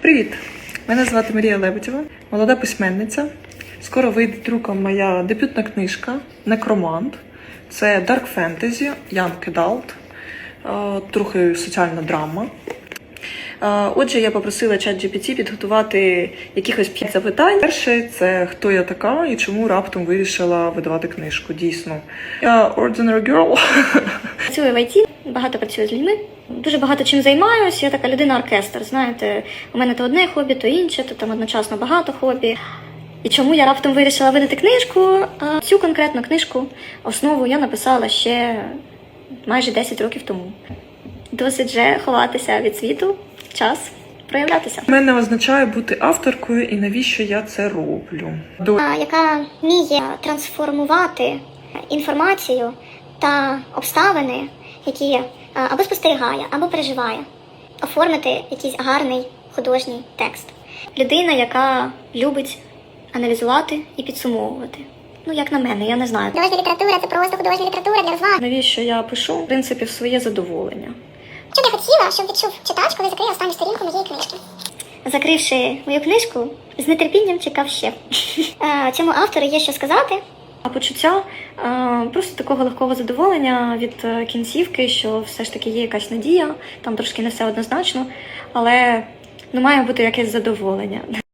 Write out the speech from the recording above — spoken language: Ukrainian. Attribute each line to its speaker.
Speaker 1: Привіт! Мене звати Марія Лебедєва, молода письменниця. Скоро вийде друком моя дебютна книжка «Некромант». Це дарк фентезі, young adult, трохи соціальна драма. Отже, я попросила ChatGPT підготувати якихось 5 запитань. Перше – це хто я така і чому раптом вирішила видавати книжку. Дійсно. Я ordinary girl.
Speaker 2: Працюю в ІТ, багато працюю з людьми. Дуже багато чим займаюся. Я така людина-оркестр, знаєте. У мене то одне хобі, то інше, то там одночасно багато хобі. І чому я раптом вирішила видати книжку? Цю конкретну книжку, основу я написала ще майже 10 років тому. Досить вже ховатися від світу, час проявлятися.
Speaker 1: Для мене означає бути авторкою і навіщо я це роблю.
Speaker 2: Яка вміє трансформувати інформацію та обставини, які або спостерігає, або переживає, оформити якийсь гарний художній текст. Людина, яка любить аналізувати і підсумовувати. Ну, як на мене, я не знаю.
Speaker 3: Художня література – це просто художня література для розваг.
Speaker 2: Навіщо я пишу? В принципі, в своє задоволення.
Speaker 3: Що ти хотіла, щоб відчув читач, коли закриє останню сторінку моєї книжки?
Speaker 2: Закривши мою книжку, з нетерпінням чекав ще. Цьому автору є що сказати. А почуття просто такого легкого задоволення від кінцівки, що все ж таки є якась надія, там трошки не все однозначно, але має бути якесь задоволення.